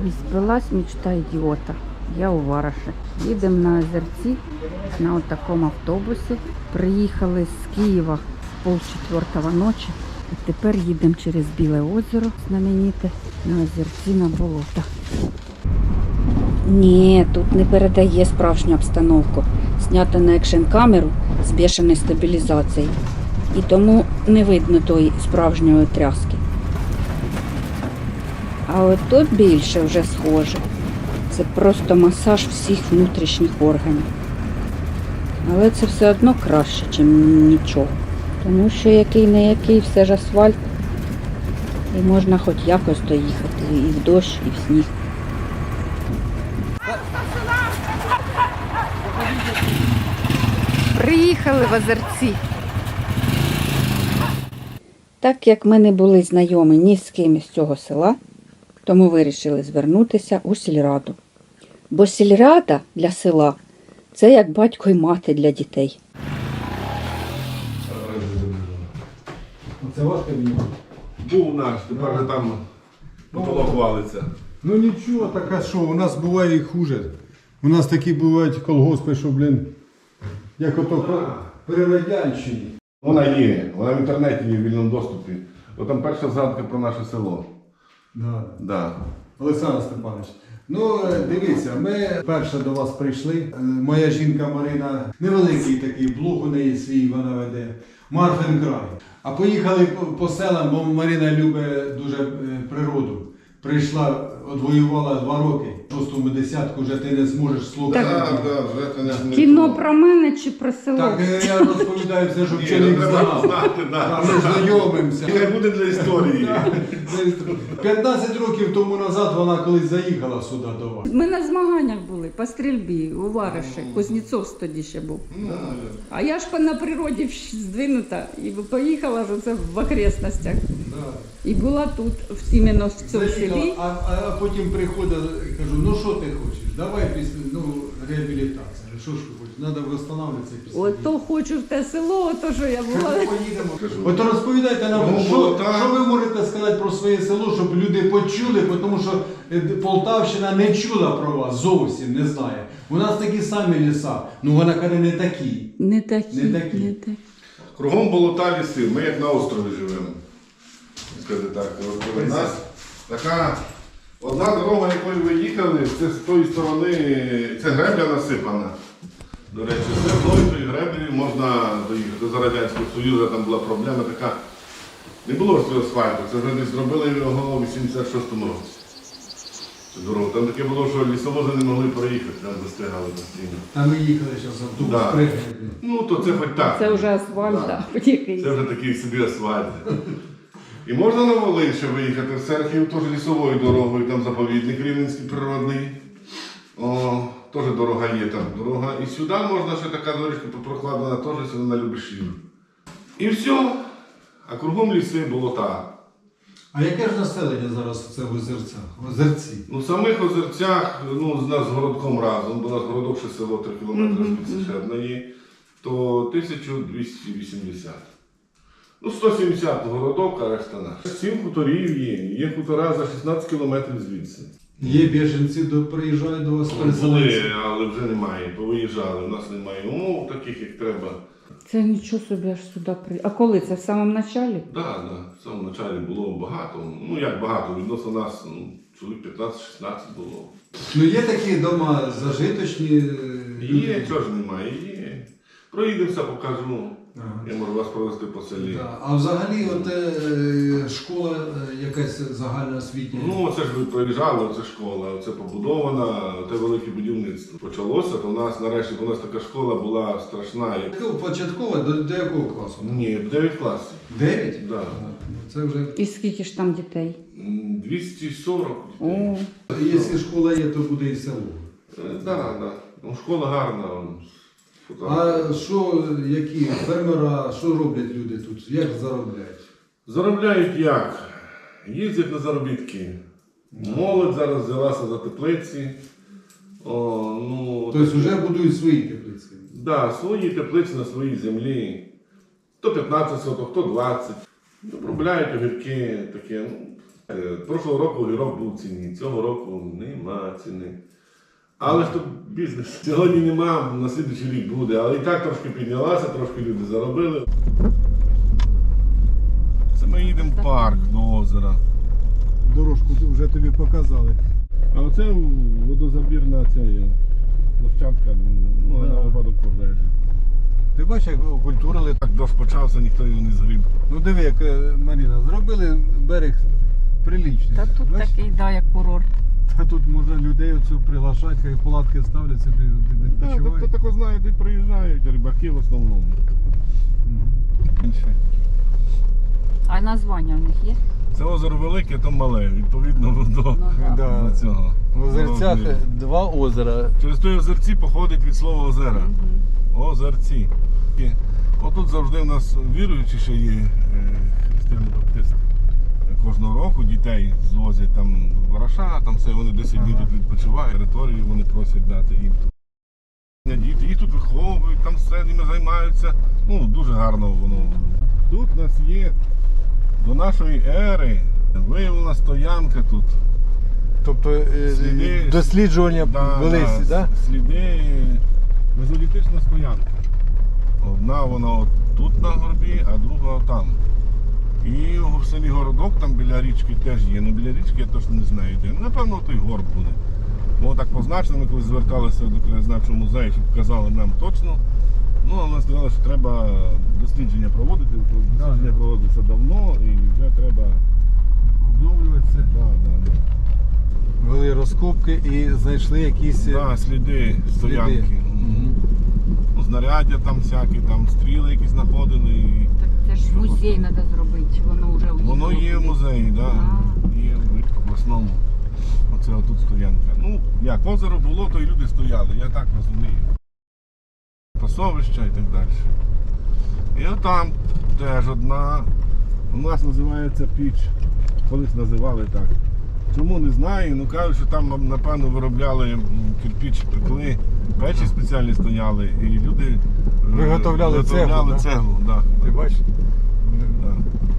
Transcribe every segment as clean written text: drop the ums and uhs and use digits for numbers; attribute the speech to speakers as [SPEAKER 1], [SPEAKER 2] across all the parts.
[SPEAKER 1] І спилась мечта ідіота. Я у Вараші. Їдемо на Озерці на такому автобусі. Приїхали з Києва в 3:30 ночі. І тепер їдемо через Біле озеро знамените на Озерці на болото. Ні, тут не передає справжню обстановку. Знято на екшн-камеру з бешеною стабілізацією. І тому не видно тої справжньої тряски. А от тут більше вже схоже. Це просто масаж всіх внутрішніх органів. Але це все одно краще, ніж нічого. Тому що який не який, все ж асфальт. І можна хоч якось доїхати і в дощ, і в сніг. Приїхали в Озерці. Так як ми не були знайомі ні з ким із цього села, тому вирішили звернутися у сільраду. Бо сільрада для села – це як батько і мати для дітей.
[SPEAKER 2] Це ваш кабінет?
[SPEAKER 3] Був наш, тепер же там потолок валиться.
[SPEAKER 2] Ну нічого, така що, у нас буває і хуже. У нас такі бувають колгоспи, що, як ото при радянщині.
[SPEAKER 3] Вона є, вона в інтернеті є в вільному доступі. От там перша згадка про наше село. Да.
[SPEAKER 2] Олександр Степанович, ну дивіться, ми перше до вас прийшли. Моя жінка Марина, невеликий такий блог у неї свій, вона веде. Марфин край. А поїхали по селам, бо Марина любить дуже природу. Прийшла, відвоювала 2 роки. В 6-му десятку вже ти не зможеш слухати.
[SPEAKER 1] Кіно про мене чи про село?
[SPEAKER 2] Так, я розповідаю все, щоб чоловік знав. Ми знайомимося.
[SPEAKER 3] Хай буде для історії.
[SPEAKER 2] 15 років тому назад вона колись заїхала сюди до вас.
[SPEAKER 1] Ми на змаганнях були по стрільбі у Вараші. Кузнєцов тоді ще був. А я ж на природі здвинута і поїхала ж оце в окрестностях. І була тут, іменно в цьому селі.
[SPEAKER 2] А потім приходить, кажу, ну що ти хочеш? Давай реабілітація. Що ж ви хочете? Треба встановлюватися після.
[SPEAKER 1] Ото хочу в те село, ото що я була.
[SPEAKER 2] Поїдемо. От розповідайте нам, що ви можете сказати про своє село, щоб люди почули, тому що Полтавщина не чула про вас, зовсім не знає. У нас такі самі ліса, ну вона каже не такі.
[SPEAKER 1] Не такі.
[SPEAKER 3] Кругом болота ліси, ми як на острові живемо. Скажи так, у нас така одна дорога, якою ви їхали, це з тої сторони, це гребля насипана. До речі, це вдоль тої греблі можна доїхати. За Радянського Союзу там була проблема така. Не було ж цього асфальту, це вже не зробили його у 86-му році. Цю дорогу. Там таке було, що лісовози не могли проїхати, там застигали постійно.
[SPEAKER 2] А ми їхали зараз в Дуб
[SPEAKER 3] Да.
[SPEAKER 2] пригнути.
[SPEAKER 3] Ну, то це хоч так.
[SPEAKER 1] Це вже асфальт,
[SPEAKER 3] Да.
[SPEAKER 1] так.
[SPEAKER 3] Це вже такий собі асфальт. І можна на Волинь ще виїхати в Серхів, теж лісовою дорогою, там заповідник Рівненський природний. Теж дорога є там. Дорога. І сюди можна ще така дорожка прокладена, теж сюди на Любешів. І все. А кругом ліси, болота.
[SPEAKER 2] А яке ж населення зараз це в Озерці?
[SPEAKER 3] Ну, в самих Озерцях, ну, з нас з городком разом, бо у нас городок ще село 3 кілометри звідси ще одна є, то 1280. Ну, 170 городок, а решта наш. 7 хуторів є хутора за 16 кілометрів звідси.
[SPEAKER 2] Є біженці, приїжджають до вас переселенці?
[SPEAKER 3] Були, але вже немає, повиїжджали, у нас немає умов таких, як треба.
[SPEAKER 1] Це нічого собі аж сюди приїхали. А коли це, в самому началі?
[SPEAKER 3] Так, в самому початку було багато. Ну, як багато, відносно нас, чоловік 15-16 було.
[SPEAKER 2] Ну є такі дома зажиточні?
[SPEAKER 3] Є, чого ж немає, є. Проїдемося, покажу. Я можу вас провести по селі.
[SPEAKER 2] Да. А взагалі от, школа якась загальноосвітня?
[SPEAKER 3] Ну, це ж ви проїжджали, це школа, це побудована, це велике будівництво. Почалося, то у нас нарешті у нас така школа була страшна.
[SPEAKER 2] Початкова до якого класу?
[SPEAKER 3] Ні, 9 класів.
[SPEAKER 2] 9?
[SPEAKER 3] Да.
[SPEAKER 2] Це вже...
[SPEAKER 1] І скільки ж там дітей?
[SPEAKER 3] 240.
[SPEAKER 1] О.
[SPEAKER 2] Якщо школа є, то буде і село.
[SPEAKER 3] Так. Ну, школа гарна.
[SPEAKER 2] А що, які фермера, що роблять люди тут? Як заробляють?
[SPEAKER 3] Заробляють як? Їздять на заробітки. Молодь зараз взялася за теплиці.
[SPEAKER 2] Тобто вже будують свої теплиці?
[SPEAKER 3] Так, да, свої теплиці на своїй землі. То 15 соток, то 20. Обробляють огірки, таке. Прошлого року огірок був в ціні, цього року нема ціни. Але ж тут бізнес. Сьогодні нема, на слідуючий рік буде, але і так трошки піднялася, трошки люди заробили. Це ми їдемо в парк до озера.
[SPEAKER 2] Дорожку вже тобі показали.
[SPEAKER 3] А оце водозабірна ця є площадка, ну, на випадок пожежі.
[SPEAKER 2] Ти бачиш, як окультурили.
[SPEAKER 3] Так дощ почався, ніхто його не згріб.
[SPEAKER 2] Ну диви, як Маріна, зробили берег приличний.
[SPEAKER 1] Та тут
[SPEAKER 2] Бачиш?
[SPEAKER 1] такий, да, як курорт.
[SPEAKER 2] Та тут можна людей оцю приглашати, хай палатки ставлять собі,
[SPEAKER 3] Так,
[SPEAKER 2] відпочивають.
[SPEAKER 3] тобто тако знають, і приїжджають, рибаки в основному. Інше.
[SPEAKER 1] А названня в них є?
[SPEAKER 3] Це озеро велике, то мале, відповідно до,
[SPEAKER 2] Да.
[SPEAKER 3] до цього.
[SPEAKER 2] В озерцях
[SPEAKER 3] Розміру.
[SPEAKER 2] 2 озера.
[SPEAKER 3] Через той озерці походить від слова озера.
[SPEAKER 1] Мгм.
[SPEAKER 3] Озерці. І отут завжди в нас віруючі ще є християни баптисти. Кожного року дітей звозять там в Вараша, там все, вони 10 днів тут відпочивають, територію вони просять дати їм тут. Діти їх тут виховують, там все ними займаються. Ну, дуже гарно воно. Тут у нас є до нашої ери виявлена стоянка тут.
[SPEAKER 2] Тобто
[SPEAKER 3] Сліди-
[SPEAKER 2] досліджування велись, да?
[SPEAKER 3] Сліди мезолітична стоянка. Одна вона от тут на горбі, а друга там. І в селі Городок там біля річки теж є. Ну біля річки я точно не знаю де. Напевно, той горб буде. Бо так позначено, ми коли зверталися до краєзнавчого музею, щоб показали нам точно. Ну, а нам сказали, що треба дослідження проводити. Дослідження проводиться давно і вже треба.
[SPEAKER 2] Обновлюватися.
[SPEAKER 3] Да.
[SPEAKER 2] Вели розкопки і знайшли якісь
[SPEAKER 3] Да, сліди стоянки. Ну, знаряддя там всякі, там стріли якісь знаходили. І
[SPEAKER 1] Так це ж музей треба зробити, воно вже
[SPEAKER 3] воно є в музеї, да.
[SPEAKER 1] А.
[SPEAKER 3] Є в обласному. Оце отут стоянка. Ну, як озеро було, то і люди стояли, я так розумію. Пасовища і так далі. І отам теж одна. У нас називається піч. Колись називали так. Чому не знаю, ну кажуть, що там, напевно, виробляли кирпіч, пекли, печі спеціальні стояли, і люди
[SPEAKER 2] Виготовляли цеглу, да?
[SPEAKER 3] цеглу. Да.
[SPEAKER 2] Ти бачиш?
[SPEAKER 3] Да.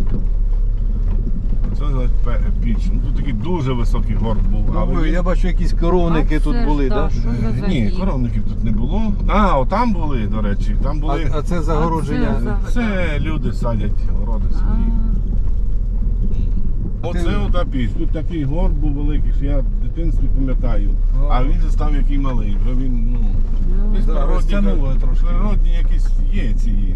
[SPEAKER 3] Це називається піч. Ну, тут такий дуже високий горб був.
[SPEAKER 2] Ну, я бачу, якісь коровники
[SPEAKER 1] А
[SPEAKER 2] тут
[SPEAKER 1] це ж,
[SPEAKER 2] були,
[SPEAKER 1] да,
[SPEAKER 2] так?
[SPEAKER 1] що за
[SPEAKER 3] Ні,
[SPEAKER 1] загін?
[SPEAKER 3] коровників тут не було. А, отам були, до речі, там були.
[SPEAKER 2] А це загородження.
[SPEAKER 1] А це
[SPEAKER 3] Це люди садять городи свої. Оце ота піч. Тут такий горб був великий, що я в дитинстві пам'ятаю. А він же став який малий. Вже він, ну, десь
[SPEAKER 2] да, розтягнуло трошки.
[SPEAKER 3] природні якісь є ці.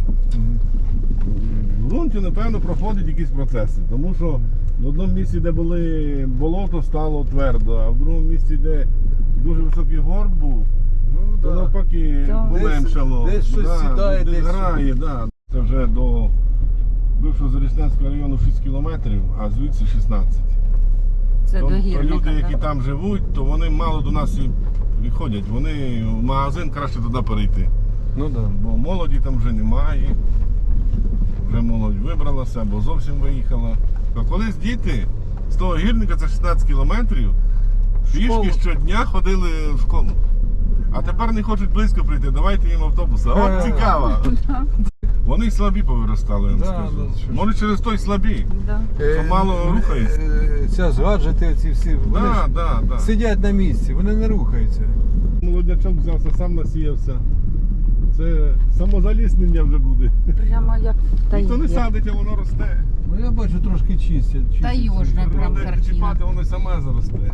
[SPEAKER 3] В ґрунті, напевно, проходять якісь процеси. Тому що в одному місці, де були болото, стало твердо, а в другому місці, де дуже високий горб був,
[SPEAKER 2] Ну,
[SPEAKER 3] то
[SPEAKER 2] да.
[SPEAKER 3] навпаки
[SPEAKER 1] Да.
[SPEAKER 3] поменшало.
[SPEAKER 2] Десь щось сідає,
[SPEAKER 3] десь
[SPEAKER 2] десь
[SPEAKER 3] грає, да. Це вже до бившого Зарічненського району 6 кілометрів, а звідси 16.
[SPEAKER 1] Це
[SPEAKER 3] То
[SPEAKER 1] до гірника.
[SPEAKER 3] люди, які
[SPEAKER 1] да?
[SPEAKER 3] там живуть, то вони мало до нас і ходять. Вони в магазин краще туди перейти.
[SPEAKER 2] Ну да.
[SPEAKER 3] Бо молоді там вже немає. Вже молодь вибралася або зовсім виїхала. А колись діти з того гірника, це 16 кілометрів,
[SPEAKER 1] Школу.
[SPEAKER 3] пішки щодня ходили в школу. А тепер не хочуть близько прийти, давайте їм автобуси. От цікаво. Вони й слабі повиростали, я вам
[SPEAKER 2] Да,
[SPEAKER 3] скажу.
[SPEAKER 2] да, що ж.
[SPEAKER 3] Може через той слабі.
[SPEAKER 1] Да.
[SPEAKER 3] Що мало рухається.
[SPEAKER 2] Ця ж гаджети, ці всі, вони ж сидять на місці, вони не рухаються.
[SPEAKER 3] Молоднячок взявся, сам насіявся. Це самозаліснення вже буде.
[SPEAKER 1] Прямо як
[SPEAKER 3] Ніхто не
[SPEAKER 1] таїр.
[SPEAKER 3] садить, а воно росте.
[SPEAKER 2] Ну я бачу, трошки чистять.
[SPEAKER 1] Таежна прям
[SPEAKER 3] Треба
[SPEAKER 1] картина.
[SPEAKER 3] чіпати, воно саме заросте.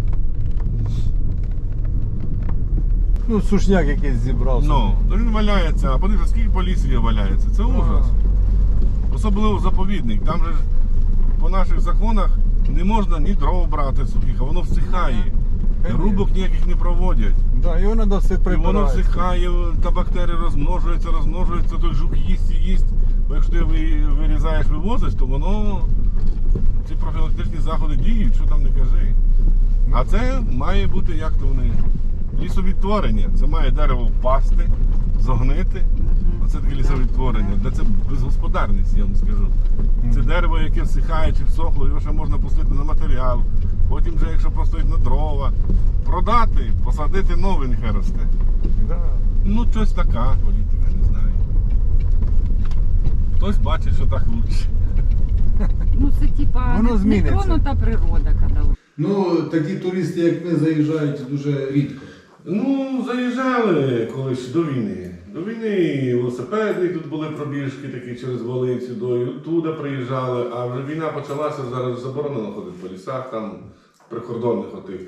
[SPEAKER 2] Ну, сушняк якийсь зібрався.
[SPEAKER 3] Ну, він валяється, а подивіться, скільки по лісі валяється. Це ужас. Особливо заповідник. Там же ж по наших законах не можна ні дров брати сухих, а воно всихає. Рубок ніяких не проводять.
[SPEAKER 2] Да, його треба все
[SPEAKER 3] І воно
[SPEAKER 2] прибирати.
[SPEAKER 3] всихає, та бактерії розмножуються, той жук їсть і їсть. Бо якщо ти вирізаєш, вивозиш, то воно ці профілактичні заходи діють, що там не кажи. А це має бути, як то вони, лісовідтворення. Це має дерево впасти, зогнити. Оце таке лісовідтворення. Де це безгосподарність, я вам скажу. Це дерево, яке всихає чи всохло, його ще можна пустити на матеріал. Потім вже, якщо простоїть на дрова, продати, посадити нове, нехай росте.
[SPEAKER 2] Да.
[SPEAKER 3] Ну, щось така політика, не знаю. Хтось бачить, що так краще.
[SPEAKER 1] Ну це типа
[SPEAKER 2] Воно
[SPEAKER 1] не
[SPEAKER 2] зміниться.
[SPEAKER 1] тронута природа, коли.
[SPEAKER 2] Ну, такі туристи, як ми, заїжджають дуже рідко.
[SPEAKER 3] Ну, заїжджали колись до війни. До війни велосипеди тут були пробіжки такі через Волинцю, туди приїжджали, а вже війна почалася, зараз заборонено ходити по лісах, там прикордонних отих.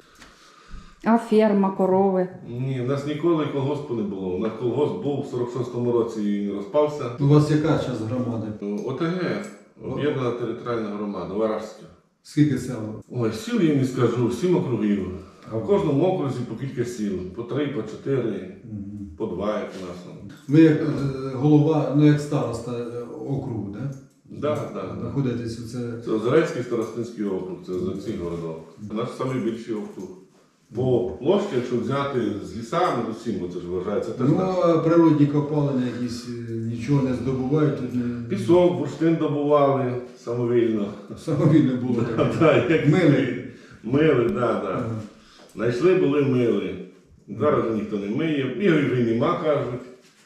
[SPEAKER 1] А ферма, корови.
[SPEAKER 3] Ні, в нас ніколи колгоспу не було. У нас колгосп був в 46-му році і не розпався.
[SPEAKER 2] У вас яка зараз громада?
[SPEAKER 3] ОТГ, об'єднана територіальна громада, Варажська.
[SPEAKER 2] Скільки сел?
[SPEAKER 3] Ой, сіл я не скажу, 7 округів. А в кожному окрузі по кілька сіл. По 3, по 4, по 2, як у нас.
[SPEAKER 2] Ви як голова, ну як староста округу, так?
[SPEAKER 3] Так, так.
[SPEAKER 2] Знаходитесь у це.
[SPEAKER 3] Це Озерецький старостинський округ, це за цих городок. Наш найбільший округ. По площі, якщо взяти з лісами, з усім, бо це ж вважається теж
[SPEAKER 2] Ну,
[SPEAKER 3] наш.
[SPEAKER 2] а природні копалини якісь нічого не здобувають, тут
[SPEAKER 3] Пісок, бурштин добували самовільно.
[SPEAKER 2] самовільно було таке.
[SPEAKER 3] Так, як
[SPEAKER 2] Мили.
[SPEAKER 3] Мили, так, так.
[SPEAKER 2] Ага.
[SPEAKER 3] Знайшли, були мили. Зараз вже ніхто не миє. Його вже й нема, кажуть.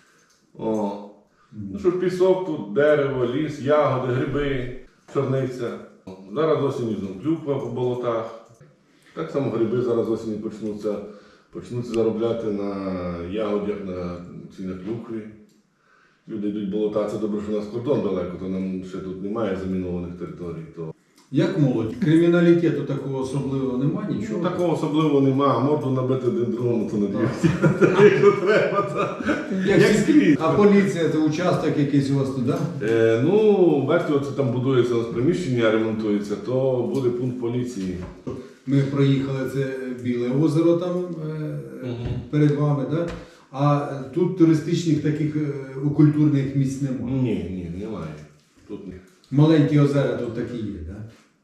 [SPEAKER 3] О. Ну що пісок тут, дерево, ліс, ягоди, гриби, чорниця. Зараз осінь знову клюква по болотах. Так само гриби зараз осінь почнуться заробляти на ягодях, на клюкві. Люди йдуть в болота, це добре, що у нас кордон далеко, то нам ще тут немає замінованих територій. То...
[SPEAKER 2] Як молодь? Криміналітету такого особливого немає, нічого?
[SPEAKER 3] Ну, такого особливого нема, морду набити один другому, то не якщо треба, то як скрізь.
[SPEAKER 2] А поліція це участок якийсь у вас туди?
[SPEAKER 3] Ну, бачите, оце там будується у нас приміщення, ремонтується, то буде пункт поліції.
[SPEAKER 2] Ми проїхали, це Біле озеро там перед вами, так? А тут туристичних таких культурних місць немає.
[SPEAKER 3] Ні, немає. Тут ні.
[SPEAKER 2] Маленькі озера тут такі є, так?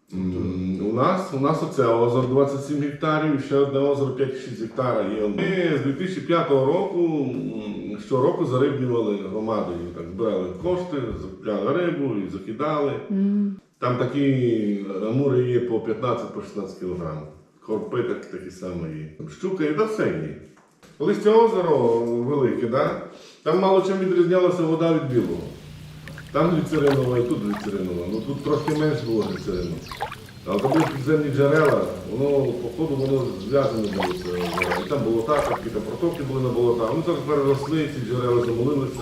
[SPEAKER 3] У нас оце озеро 27 гектарів, і ще одне озеро 5-6 гектарів є. Ми з 2005 року щороку зарибнювали громадою. Так, збирали кошти, закупляли рибу і закидали. Там такі амури є по 15-16 кг. Корпи такі самі є. Щука і все є. Колись це озеро велике, да? Там мало чим відрізнялася вода від білого. Там гліцеринова і тут гліцеринова. Ну тут трошки менше було гліцерину. Але там були підземні джерела, по ходу воно зв'язане було це озеро. І там болота, там протоки були на болотах. Вони зараз переросли, ці джерела замолилися.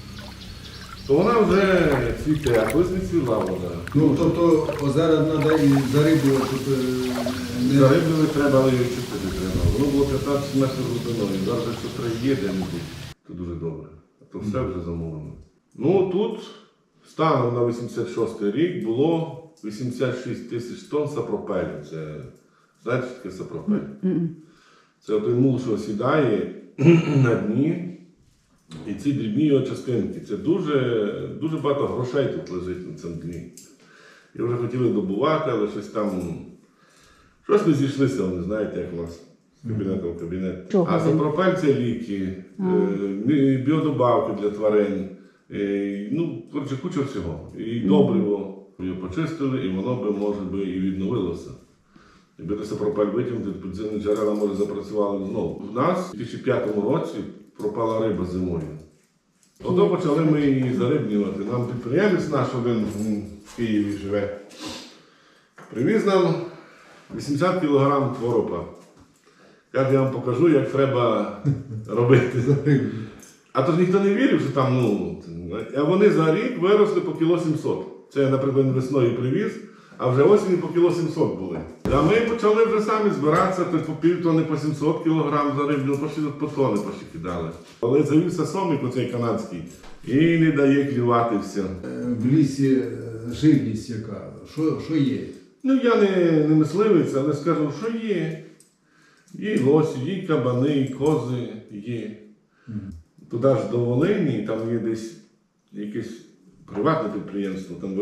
[SPEAKER 3] То вона вже цвіте, а колись не цвіла вода.
[SPEAKER 2] Ну, тобто озера треба і зарибувати тут не...
[SPEAKER 3] Зариблювати треба, але її чистити треба. Воно було 15 метрів глибиною. Зараз якщо є де-небудь, то дуже добре. А то все вже замовлено. Ну тут станом на 86 рік було 86 тисяч тонн сапропелю. Це, знаєте, що таке сапропель? Це той мул, що осідає на дні. І ці дрібні його частинки. Це дуже багато грошей тут лежить на цьому дні. І вже хотіли добувати, але щось не зійшлися, вони знаєте, як у нас з кабінету в кабінет.
[SPEAKER 1] Чого
[SPEAKER 3] А
[SPEAKER 1] ви?
[SPEAKER 3] сапропель це ліки, біодобавки для тварин. Ну, коротше, куча всього. І добриво. Його почистили, і воно би, може би, і відновилося. Якби той сапропель витягнути, підземні джерела, може, запрацювали знову. У нас у 2005 році пропала риба зимою. Ото почали ми її зарибнювати. Нам підприємець наш один в Києві живе. Привіз нам 80 кг творога. Каже, я вам покажу, як треба робити. А то ж ніхто не вірив, що там, а вони за рік виросли по кіло 700. Це я, наприклад, весною привіз, а вже осінь по кіло 700 були. А ми почали вже самі збиратися, то по півтони, по 700 кг зариблю, по тони кидали. Але завівся сомик оцей канадський і не дає клювати все.
[SPEAKER 2] В лісі живність яка? Що є?
[SPEAKER 3] Ну я не мисливець, але скажу, що є. Є і лосі, є і кабани, і кози є. Туди ж до Волині, там є десь якесь приватне підприємство, там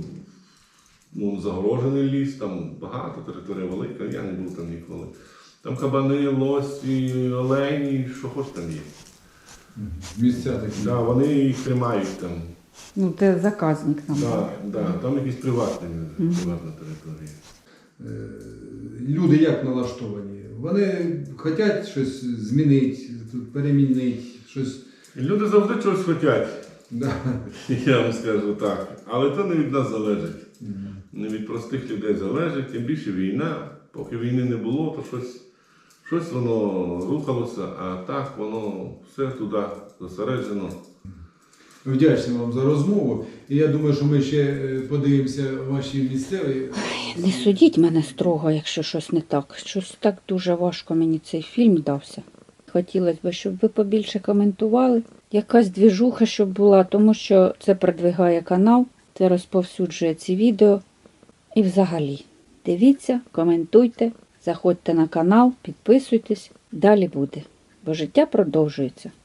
[SPEAKER 3] загорожений ліс, там багато, територія велика, я не був там ніколи. Там кабани, лосі, олені, що хоч там є.
[SPEAKER 2] Місця такі.
[SPEAKER 3] Да, вони їх тримають там.
[SPEAKER 1] Ну, це заказник там.
[SPEAKER 3] Там якісь приватна територія.
[SPEAKER 2] Люди як налаштовані? Вони хочуть щось змінити, перемінити, щось.
[SPEAKER 3] Люди завжди чогось хочуть,
[SPEAKER 2] Да.
[SPEAKER 3] я вам скажу так. Але це не від нас залежить. Не від простих людей залежить, тим більше війна. Поки війни не було, то щось воно рухалося, а так воно все туди зосереджено.
[SPEAKER 2] Вдячний вам за розмову. І я думаю, що ми ще подивимося ваші місцеві.
[SPEAKER 1] Не судіть мене строго, якщо щось не так. Щось так дуже важко мені цей фільм дався. Хотілося б, щоб ви побільше коментували. Якась двіжуха, щоб була, тому що це продвигає канал, це розповсюджує ці відео. І взагалі, дивіться, коментуйте, заходьте на канал, підписуйтесь, далі буде. Бо життя продовжується.